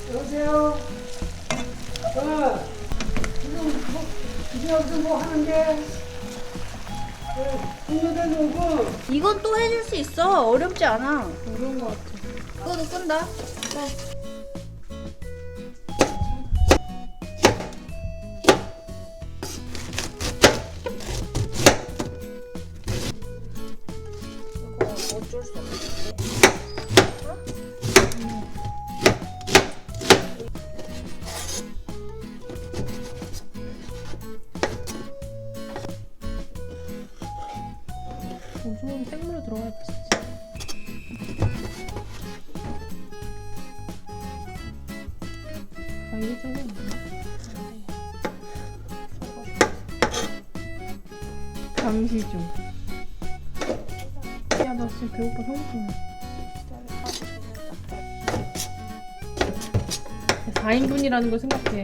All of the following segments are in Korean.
여보세요? 지금 여기서 뭐 하는데? 동료들 오고. 이건 또 해줄 수 있어. 어렵지 않아. 어려운 것 같아. 그거도 끈다. 이거 어쩔 수 없는데. 우선 생물로 들어가야 맛있지. 아, 이게 조금 감시 중. 야, 나 진짜 배고파. 성공해. 4인분이라는 걸 생각해.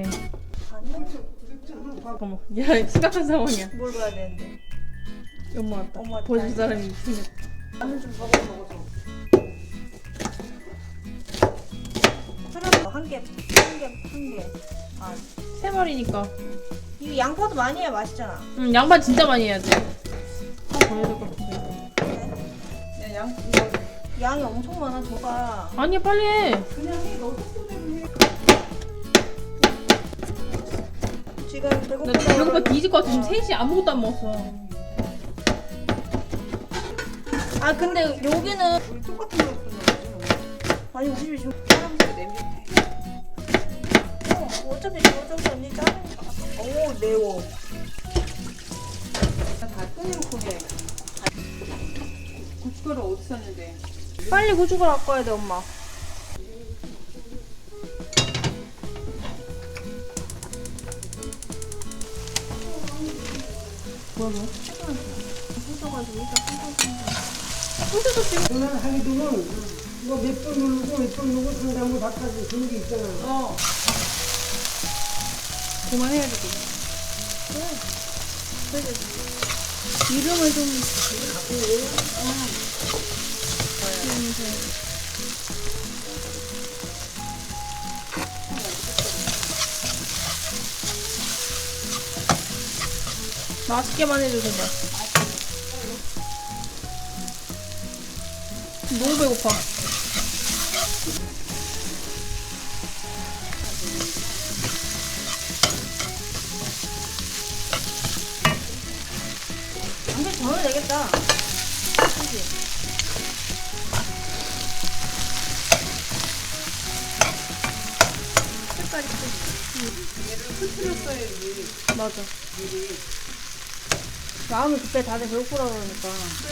어머, 야, 심각한 상황이야. 뭘 봐야 되는데? 엄마 왔다. 엄마 왔다. 보여줄 사람이 생겼다. 라면 좀 먹어. 사람 한 개. 아, 3마리니까. 이거 양파도 많이 해야 맛있잖아. 응, 양파 진짜 많이 해야 돼. 하나 더 해야 될 것 같은데. 야, 이거 양이 엄청 많아, 저가. 아니야, 빨리 해. 그냥 해. 너 속도대로 해. 지금 나 배고프다. 배고파 뒤질 것 같아. 지금 3시 아무것도 안 먹었어. 아, 근데 여기는. 우리 똑같은 거 했었는데. 아니, 우리 집이 지금. 사람들이 냄새. 어차피 저쪽에 언니 짜니까. 오, 매워. 다 꺼내놓고 해. 고춧가루 어디 샀는데? 빨리 고춧가루 갖고 와야 돼, 엄마. 뭐야? 누나는 하기도는 이거 몇 번 누르고 상담을 바꿔서 주는 게 있잖아. 어. 그만해야 되겠네. 기름을 좀. 맛있게만 해줘, 제발. 너무 배고파. 근데 저는 되겠다. 색깔이 흐트렸어야지. 맞아. 마음이 급해. 다들 배고프다 그러니까.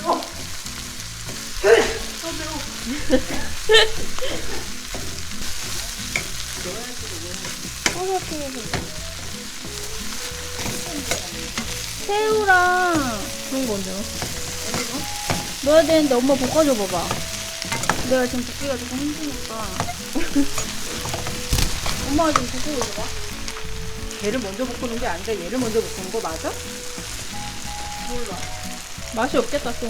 새우랑 그런 거 언제 넣어? 넣어야 되는데 엄마 볶아줘 봐봐. 내가 지금 볶기가 조금 힘드니까. 엄마가 지금 볶고 있어봐. 걔를 먼저 볶는 게 아니라 얘를 먼저 볶는 거 맞아? 몰라. 맛이 없겠다, 또.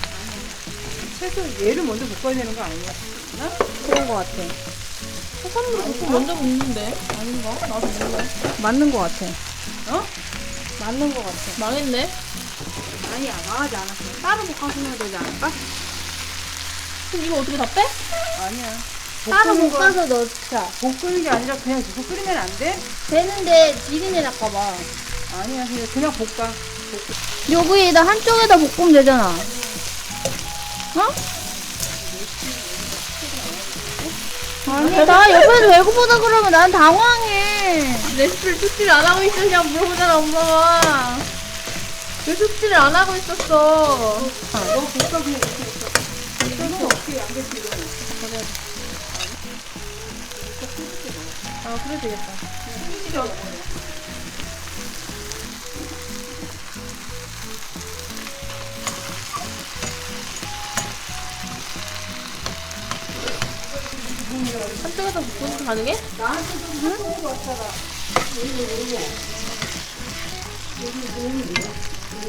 채소 얘를 먼저 볶아야 되는 거 아니야? 그런 거 같아. 해산물을 보통 먼저 먹는데? 아닌가? 나도 몰라. 맞는 거 같아. 어? 맞는 거 같아. 망했네? 아니야, 망하지 않았어. 따로 볶아주면 되지 않을까? 그럼 이거 어떻게 다 빼? 아니야. 따로 볶는 거 볶아서 넣자. 볶는 게 아니라 그냥 계속 끓이면 안 돼? 되는데 비린내 날까봐. 아니야, 그냥 볶아. 여기에다 한쪽에다 볶으면 되잖아. 어? 아니, 나 옆에서 배고프다 그러면 난 당황해. 레시피를 숙지를 안 하고 있어. 그냥 물어보잖아, 엄마가. 왜 숙지를 안 하고 있었어? 너 볶아, 그냥 이렇게 볶아. 이거는 어떻게 양배추를 넣어? 아, 그래 되겠다. 한쪽에다 볶는 거 가능해? 나한테 좀 해보는 거 같잖아.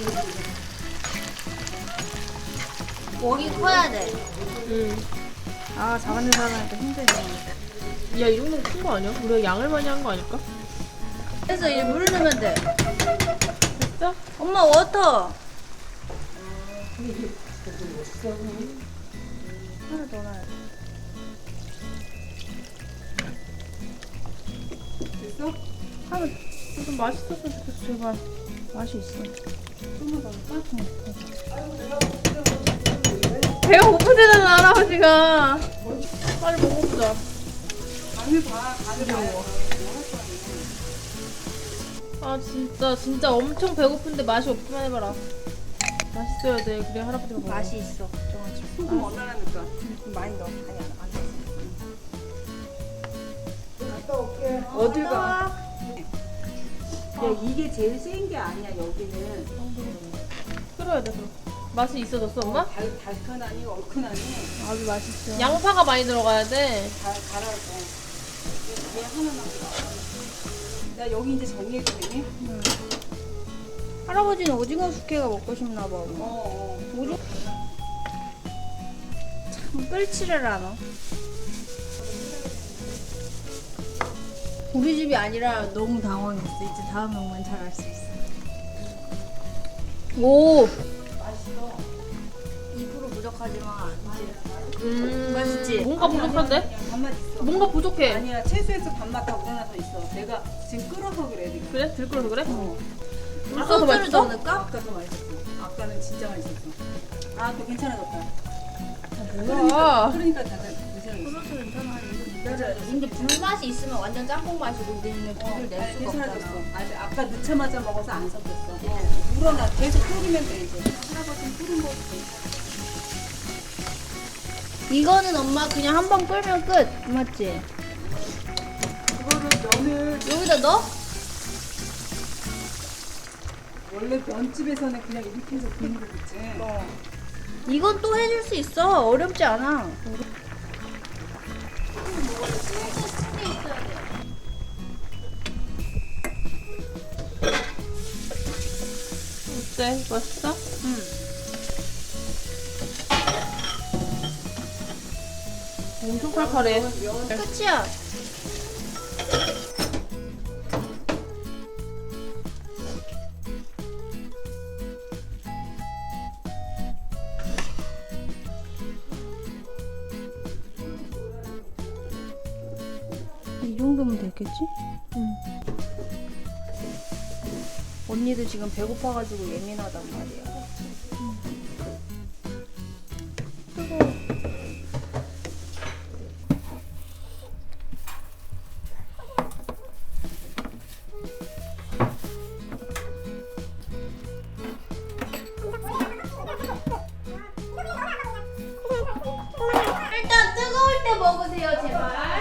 웍이 커야 돼. 응. 아, 작은 데 살아니까 힘드네. 야, 이 정도면 큰 거 아니야? 우리가 양을 많이 한 거 아닐까? 그래서 이제 물을 넣으면 돼. 됐어? 엄마, 워터! 하나 더 넣어야 돼. 됐어? 하나, 좀 맛있었으면 좋겠어, 제발. 맛이 있어. 배가 고프대잖아, 할아버지가. 빨리 먹어보자. 간을 봐. 간을 봐요. 아, 진짜 엄청 배고픈데 맛이 없기만 해봐라. 맛있어야 돼. 그래, 할아버지가 먹어. 맛이 있어. 걱정하지 마. 소금 얼마나 넣을까? 좀 많이 넣어. 아니, 안 넣어. 갔다 올게. 어딜 가? 야, 이게 제일 센 게 아니야, 여기는. 끓여야 돼, 그럼. 맛이 있어졌어, 엄마? 달큰하니, 얼큰하니. 아주 맛있어. 양파가 많이 들어가야 돼. 갈아서. 얘 하나만. 나 여기 이제 정리해도 되니? 할아버지는 오징어 숙회가 먹고 싶나 봐. 엄마. 오징어 참 끌지를 않아. 우리 집이 아니라 너무 당황했어. 이제 다음에 오면 잘 알 수 있어. 오! 맛있어. 2% 부족하지만 이제 맛있지? 뭔가 부족한데? 밥맛 있어. 뭔가 부족해. 아니야, 채소에서 밥맛 다 우러나서 있어. 내가 지금 끓어서 그래, 지금. 그래? 들끓어서 그래? 물 써서 소스를 맛있어? 더 넣을까? 아까 더 맛있었어. 아까는 진짜 맛있었어. 아, 또 괜찮아졌다. 뭐야? 그러니까 다 괜찮아졌어. 소스 괜찮아. 맞아. 근데 불맛이 있으면 완전 짬뽕 맛이고 우리는 불을 낼 수가 괜찮아졌어. 없잖아. 아직 아까 넣자마자 먹어서 안 섞였어. 우러나 계속 끓이면 돼, 이제. 할아버지는 끓은 거 괜찮아. 이거는 엄마 그냥 한 번 끓면 끝. 맞지? 그거를 면을 여기다 넣어? 원래 면집에서는 그냥 이렇게 해서 끓는 거겠지. 이건 또 해줄 수 있어. 어렵지 않아. 어때? 맛있어? 응. 엄청 칼칼해. 끝이야. 이 정도면 되겠지? 응. 언니도 지금 배고파가지고 예민하단 말이야. 일단 뜨거울 때 먹으세요, 제발.